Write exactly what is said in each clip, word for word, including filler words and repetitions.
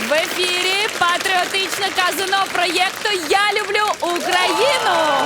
В ефірі патріотичне казино проєкту «Я люблю Україну».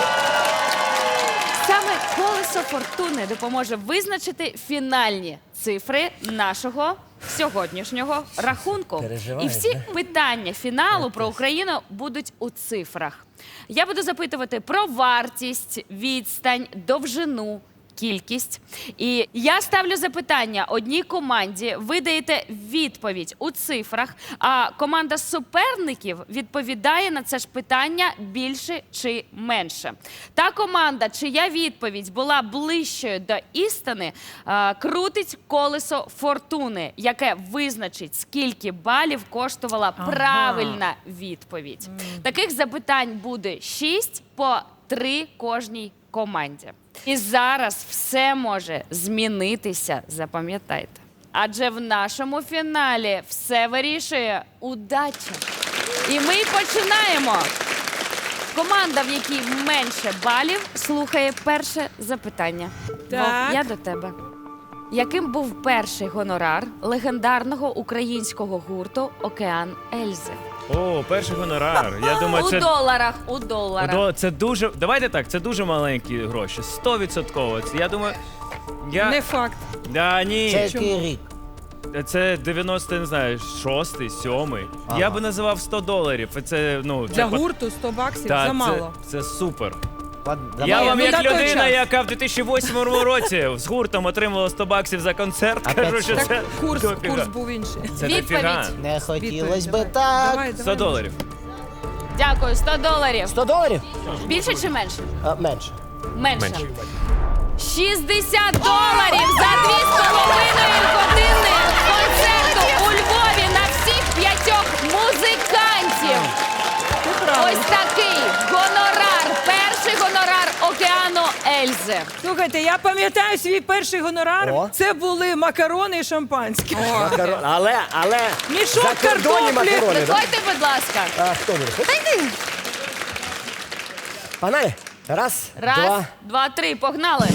Саме колесо фортуни допоможе визначити фінальні цифри нашого сьогоднішнього рахунку. Переживаєш, І всі да? питання фіналу про Україну будуть у цифрах. Я буду запитувати про вартість, відстань, довжину, кількість. І я ставлю запитання одній команді, ви даєте відповідь у цифрах, а команда суперників відповідає на це ж питання більше чи менше. Та команда, чия відповідь була ближчою до істини, е, крутить колесо фортуни, яке визначить, скільки балів коштувала правильна відповідь. Таких запитань буде шість по три кожній команді. І зараз все може змінитися, запам'ятайте. Адже в нашому фіналі все вирішує удача. І ми починаємо. Команда, в якій менше балів, слухає перше запитання. Так. Вов, я до тебе. Яким був перший гонорар легендарного українського гурту «Океан Ельзи»? О, перший гонорар. Я думаю, У це... доларах, у доларах. До- Це дуже... Давайте так, це дуже маленькі гроші. Сто відсотково. Я думаю... Я... Не факт. Да, ні. Це який рік? Це дев'яносто, не знаю, шостий, сьомий. Я би називав сто доларів. Це, ну... Для це... гурту сто баксів Так, замало. Це, це супер. Ладно, Я давай. вам ну, як на той людина, час. яка в дві тисячі восьмому році з гуртом отримала сто баксів за концерт, Опять кажу, що сто. це Курс, дофіга. курс був інший. Це Відповідь. дофіга. Не хотілось Відповідь, би давай. так. Давай, сто давай. доларів. Дякую, сто доларів. сто доларів? Більше чи менше? А, менше. Менше. шістдесят доларів за дві з половиною години концерту у Львові на всіх п'ятьох музикантів. Ось такий гонорар, перший гонорар «Океану Ельзи». Слухайте, я пам'ятаю свій перший гонорар. О. Це були макарони і шампанське. Макарон. Але, але... Мішок закордонні картоплі. макарони, да? Виходьте, будь ласка. А, хто буде? Погнали. Раз, Раз, два. два, три, погнали.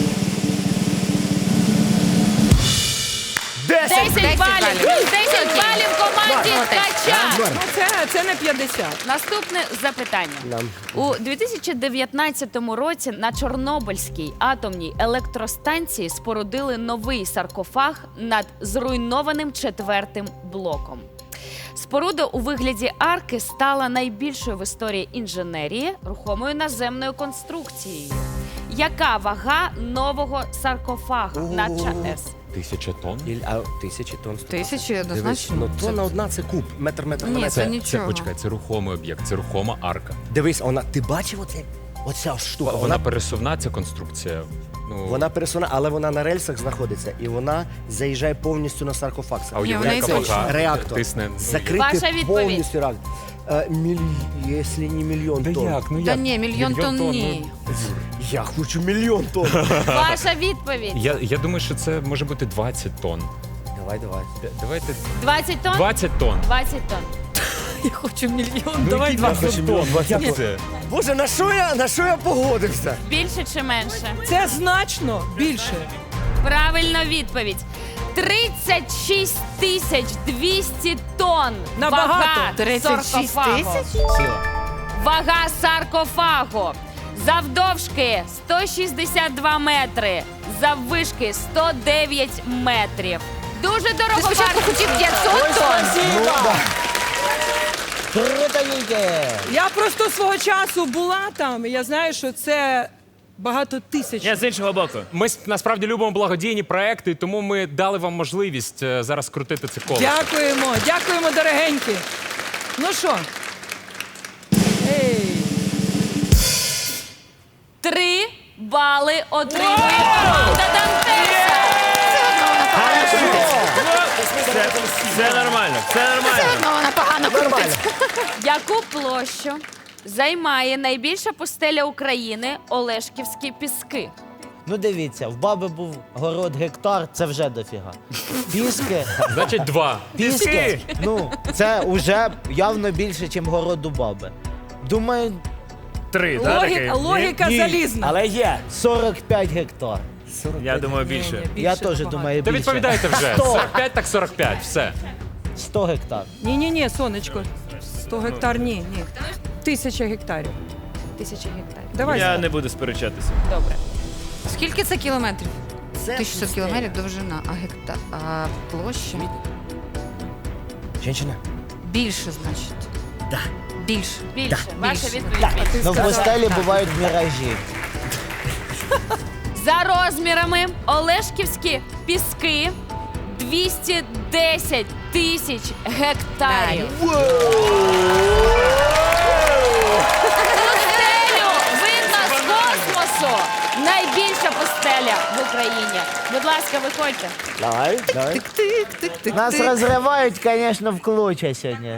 Десять. десять балів. Плюс десять балів команді Ткача. Ну, це, це не п'ятдесят. Наступне запитання. Нам. У дві тисячі дев'ятнадцятому році на Чорнобильській атомній електростанції спорудили новий саркофаг над зруйнованим четвертим блоком. Споруда у вигляді арки стала найбільшою в історії інженерії рухомою наземною конструкцією. Яка вага нового саркофагу на ЧАЕС? Тисяча тонн? Іль- А, тисячі тонн. Тисячі Дивись, однозначно. ну тонна одна це куб. Метр, метр на Ні, метр. це Це, нічого. почекай, це рухомий об'єкт, це рухома арка. Дивись, вона, ти бачив оце? Оця штука. Вона, Вона, пересувна, ця конструкція. Ну, вона пересувна, але вона на рельсах знаходиться. І вона заїжджає повністю на саркофаг. а Ні, вона уявляє, і яка точно. вага Реактор. тисне. Ну, Закритий Ваша відповідь. повністю реактор. Е, міль... Якщо не мільйон Та тонн. як? Ну, Та як? ні, мільйон тонн ні. Я хочу мільйон тонн. Ваша відповідь. Я, я думаю, що це може бути двадцять тонн. Давай, давай. Д- Давайте двадцять тонн? двадцять тонн. двадцять тонн. Я хочу мільйон. Ну, Давай які двадцять. двадцять тонн? двадцять Як це? Боже, на що я, на що я погодився? Більше чи менше? Це значно більше. Правильна відповідь. тридцять шість тисяч двісті тонн. Набагато. Вага тридцять шість саркофагу. тисяч? Сіла. Вага саркофагу. Завдовжки сто шістдесят два метри. Заввишки сто дев'ять метрів. Дуже Ти дорого спочатку хотів п'ятсот тонн. Ну, да. Круто, Вітя. Я просто свого часу була там, і я знаю, що це багато тисяч. Я з іншого боку. Ми с- насправді любимо благодійні проекти, тому ми дали вам можливість е, зараз крутити це коло. Дякуємо, дякуємо, дорогенькі. Ну що? Ей. Три бали отримує команда Дантеса. Це, це нормально, це нормально. Ну, вона погано Нормально. Яку площу займає найбільша пустеля України Олешківські піски? Ну дивіться, в баби був город гектар, це вже дофіга. Піски, Значить, два. піски, ну, це вже явно більше, ніж город у баби. Думаю, Три, так? Логіка, логіка ні, залізна. але є сорок п'ять гектар. Я думаю, більше. Я теж думаю, Та більше. відповідайте вже. Сто. сорок п'ять так сорок п'ять, все. сто гектар. Ні-ні-ні, сонечко. сто гектар, ні, ні. Тисяча гектарів. Тисяча гектарів. Давай. Я Слав. не буду сперечатися. Добре. Скільки це кілометрів? Це тисяча шістсот пустеля. кілометрів довжина, а гектар, а площа? Женщина? Більше, значить. Да. Більше. Більше. Ваша Більше. відповідь. Так. більше. Ти Ну, в сказала. пустелі бувають міражі. За розмірами Олешківські піски двісті десять тисяч гектарів. Пустелю видно з космосу. Найбільша пустеля в Україні. Будь ласка, виходьте. Давай, давай. Тик-тик-тик-тик. Нас розривають, звісно, в клочья сьогодні.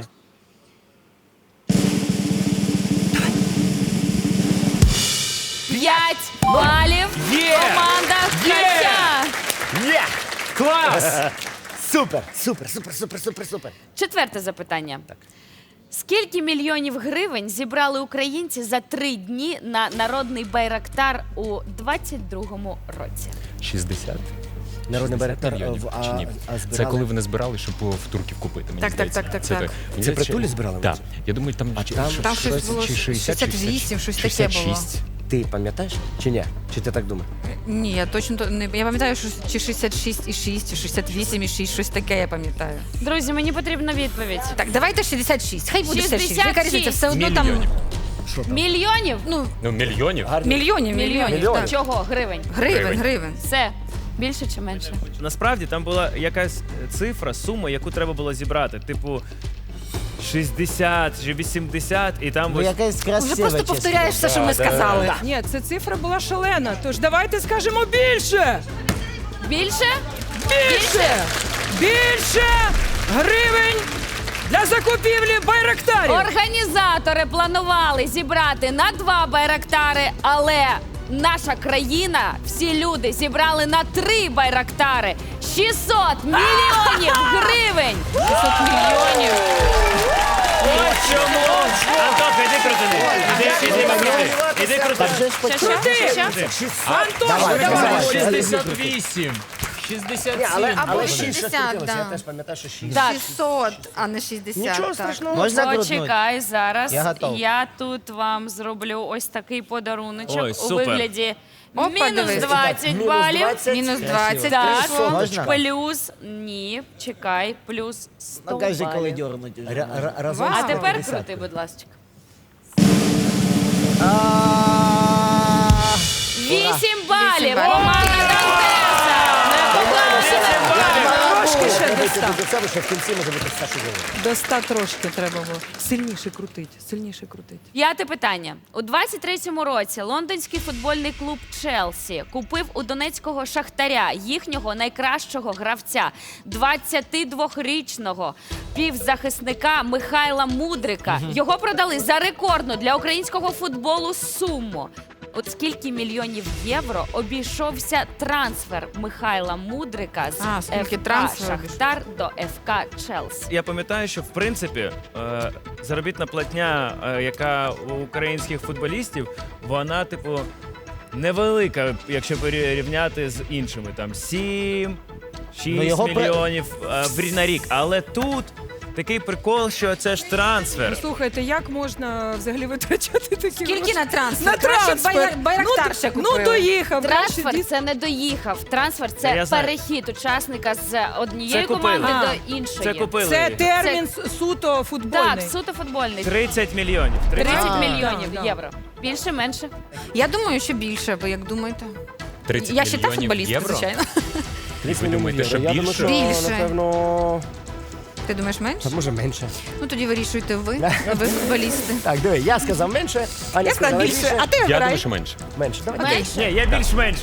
П'ять балів. Є! Команда Ткача. Є! Клас! Супер, супер, супер, супер, супер, супер. Четверте запитання. Скільки мільйонів гривень зібрали українці за три дні на народний байрактар у двадцять другому році? шістдесят. Народний байрактар, мільйонів, а, чи ні? а збирали? Це коли вони збирали, щоб в турків купити. Мені Так, так, здається. так, так, Це так. Мені Це здається, притулі що- збирали? Так. Я думаю, там, А чи- там- Там щось було чи шістдесят, шістдесят вісім, щось таке було. шістдесят шість. Ти пам'ятаєш чи ні? Чи ти так думаєш? Ні, я точно то- не я пам'ятаю, що чи шістдесят шість і шість, чи шістдесят вісім і шість, щось таке я пам'ятаю. Друзі, мені потрібна відповідь. Так, давайте шістдесят шість. Хай буде шістдесят шість. Яка різниця? шістдесят Все одно там Мільйонів. Мільйонів? ну Ну, мільйонів. мільйонів, мільйонів. Мільйонів. так. Чого? Гривень. Гривень, Гривень. гривень. Все. Більше чи менше? Насправді там була якась цифра, сума, яку треба було зібрати. Типу шістдесят чи вісімдесят, і там Ну, ось якесь красиве, Вже просто чесно. повторяєш все, що ми сказали. Ні, ця цифра була шалена. Тож давайте скажемо більше! Більше? Більше! Більше гривень для закупівлі байрактарів! Організатори планували зібрати на два байрактари, але наша країна, всі люди зібрали на три байрактари. шістсот мільйонів гривень! шістсот мільйонів! ось чому. Антоха, іди крутини. Іди, іди, крути. Іди крути. Так же ж Що, що? Крути! Що? Антон, Давай, давай! давай. шістдесят вісім. шістдесят Ні, але, сім. але Або шість щось шістдесят, крутилося. Я да. теж пам'ятаю, що шість. Так. шістсот, а не шістдесят. Нічого так. страшного. Можна крутнути? Почекай зараз. Я готов. Я тут вам зроблю ось такий подаруночок Ой, у супер. вигляді Опа, мінус дивись. двадцять Мінус балів. двадцять. Мінус Красиво. двадцять Так, прийшло. Можна? плюс ні, чекай, плюс сто Ну, кажи, коли балів. дьорнуть. уже. Ра- ра- Разом Вау. А сто тепер п'ятдесят. крути, будь ласка. А, Вісім балів. балів. Команда Дантеса. Трошки ще до Дивіться, ста. до цього, що в кінці може бути все, що завгодно. До ста трошки треба було. Сильніше крутить, сильніше крутить. П'яте питання. У двадцять третьому році лондонський футбольний клуб Челсі купив у донецького Шахтаря їхнього найкращого гравця, двадцятидвохрічного півзахисника Михайла Мудрика. Його продали за рекордну для українського футболу суму. От скільки мільйонів євро обійшовся трансфер Михайла Мудрика з А, скільки ФК трансфер Шахтар до ФК Челсі? Я пам'ятаю, що в принципі е, заробітна платня, е, яка у українських футболістів, вона, типу, невелика, якщо порівняти з іншими. Там сім, шість Ну, його при- мільйонів е, в- на рік. Але тут такий прикол, що це ж трансфер. Слухайте, як можна взагалі витрачати такі Скільки гроші? на трансфер? На Краще трансфер. байрак- байрактар ну, ще ну, купили. доїхав. Трансфер краще це не доїхав. Трансфер це Я знаю. перехід учасника з однієї Це купили. команди А, до іншої. Це купили. Це їх. термін с- суто футбольний. Так, суто футбольний. тридцять мільйонів. тридцять А, мільйонів да, да. євро. Більше, менше. Я думаю, що більше, ви як думаєте? тридцять Я ще та мільйонів футболістка, євро? звичайно. Ви думаєте, що Я думаю, більше? що, Більше. напевно, Ти думаєш менше? може менше. Ну тоді вирішуйте ви, ви футболісти. Так, диви, я сказав менше, Аня Я сказала більше, а ти Я обирай. думаю, що менше. Менше, давай. Менше. Ні, я більш-менш.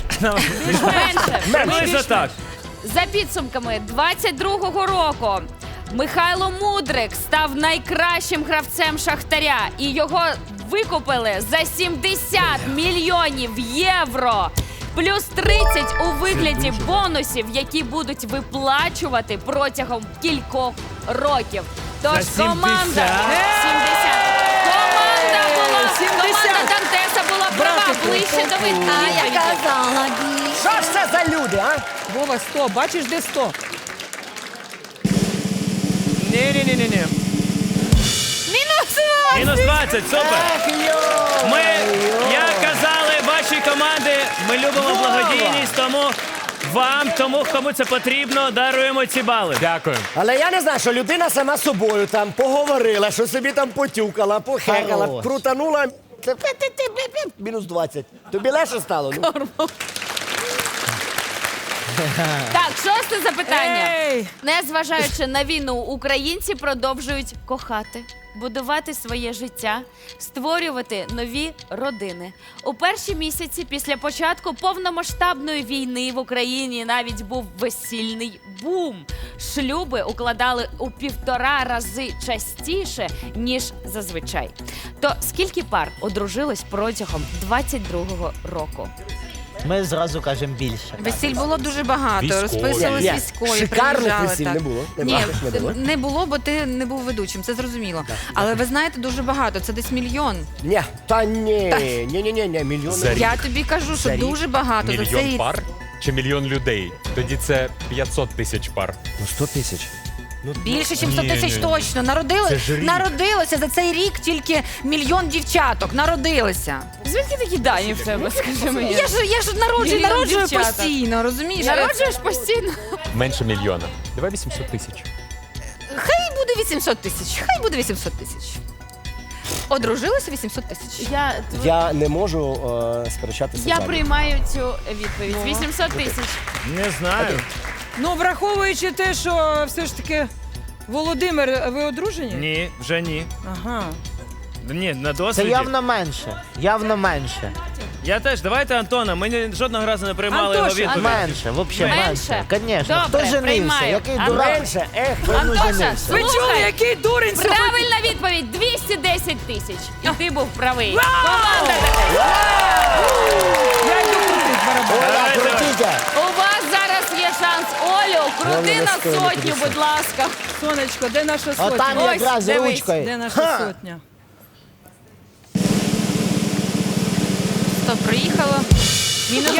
Менше. Приблизно так. За підсумками двадцять другого року Михайло Мудрик став найкращим гравцем Шахтаря, і його викупили за сімдесят мільйонів євро. Плюс тридцять у вигляді бонусів, які будуть виплачувати протягом кількох років. Тож За команда сімдесят? сімдесят. Команда була сімдесят. команда Дантеса була права Братику, ближче до відповіді. Що ж це за люди, а? Вова, сто. Бачиш, де сто? Ні, ні. Мінус Мінус двадцять, супер. Ми, як казали, ваші команди, ми любимо благодійність, тому вам, тому кому це потрібно, даруємо ці бали. Дякую. Але я не знаю, що людина сама з собою там поговорила, що собі там потюкала, похекала, Хорош. крутанула. Це пи-пи-пи-пи-пи, мінус двадцять. Тобі легше стало? Ну? Так, шосте запитання. Ей! Незважаючи на війну, українці продовжують кохати, будувати своє життя, створювати нові родини. У перші місяці після початку повномасштабної війни в Україні навіть був весільний бум. Шлюби укладали у півтора рази частіше, ніж зазвичай. То скільки пар одружилось протягом двадцять другого року? Ми зразу кажемо більше. Весіль було дуже багато. Військові. Розписувались Ні, військові, шикарних приїжджали, весіль так. не було? Не Ні, бачиш, не було? не було, бо ти не був ведучим, це зрозуміло. Але ви знаєте, дуже багато, це десь мільйон. Ні, та ні, ні, ні, ні, ні, мільйони. За рік. Я тобі кажу, що За рік? дуже багато. за Мільйон цей... пар чи мільйон людей? Тоді це п'ятсот тисяч пар. Ну, сто тисяч. Більше, ніж сто Ні, тисяч ні, ні. точно. Народили... Це ж рік. Народилося за цей рік тільки мільйон дівчаток. Народилося. Звідки такі дані в тебе, скажи мені? Я ж, я ж народжую, Мільйон народжую дівчаток. постійно, розумієш? Народжуєш постійно? Менше мільйона. Давай вісімсот тисяч. Хай буде вісімсот тисяч. Хай буде вісімсот тисяч. Одружилося вісімсот тисяч. Я, Я не можу е, сперечатися. я з вами. приймаю цю відповідь. вісімсот тисяч. Не знаю. Ну, враховуючи те, що все ж таки Володимир, ви одружені? Ні, вже ні. Ага. Ні, на Це досвіді. явно менше. Явно менше. Я теж. Давайте Антона. Ми ні- жодного разу не приймали його Антоша, відповідь. Менше, взагалі Менше? менше. Звісно. Добре, Хто женився? приймаю. Який А дурак? Менше, ех, Антоша, женився. Ви чули, слухай. який дурень сьогодні? Правильна відповідь двісті десять тисяч. І ти був правий. Команда така. Я йду крутить барабан. Оля, Давайте. крутіть! У вас зараз є шанс. Олю, крути Головне, на не стоїть сотню, п'ятдесят. будь ласка. Сонечко, де наша А там сотня? Ось, якраз дивись. ручкою. Де наша сотня? Стоп, приїхало. Мінус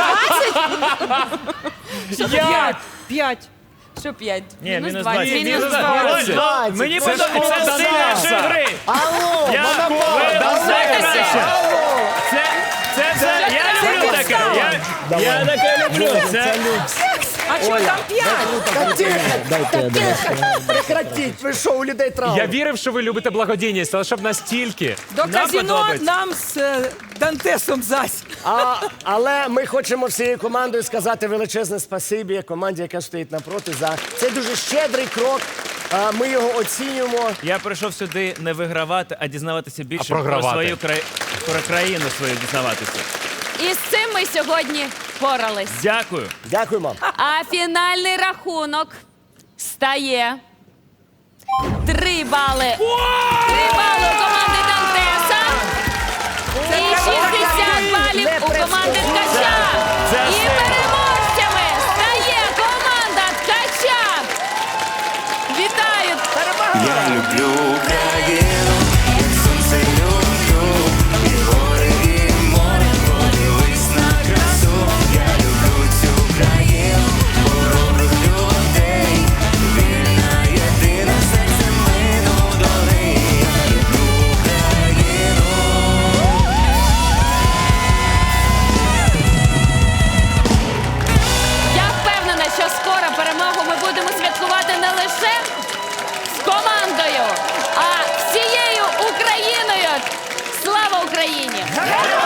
П'ять. П'ять. Що п'ять? Ні, мінус двадцять. двадцять. Мінус Мінус двадцять. двадцять. Оль, Мені Це ж подобається Олеса. стиль нашої гри. Алло, Я монополь, ви алло. найкраще. Це, це, це, я люблю таке. Я, я таке люблю. Це, А чого там п'ять? Та тихо, дайте я дивлюся. Прекратіть, ви що, у людей травма. Я вірив, що ви любите благодійність, але щоб настільки. До Нам казіно подобається. нам з е, Дантесом зась. А, але ми хочемо всією командою сказати величезне спасибі команді, яка стоїть напроти, за цей дуже щедрий крок. А, Ми його оцінюємо. я прийшов сюди не вигравати, а дізнаватися більше А програвати. про свою край... про країну свою дізнаватися. І з цим ми сьогодні впорались. Дякую. Дякуємо. А фінальний рахунок стає три бали. Три бали у команди Дантеса і шістдесят балів у команди Ткача. Це І сильно. переможцями стає команда Ткача. Вітаю! Я люблю Україну, як сонце люблю, і гори, і море, подивись на красу. Я люблю цю країну, хоробрих людей, вільна, єдина, серцем мину до неї. Я люблю Україну. Я впевнена, що скоро перемогу ми будемо святкувати не лише з командою, а всією Україною. Слава Україні! Героям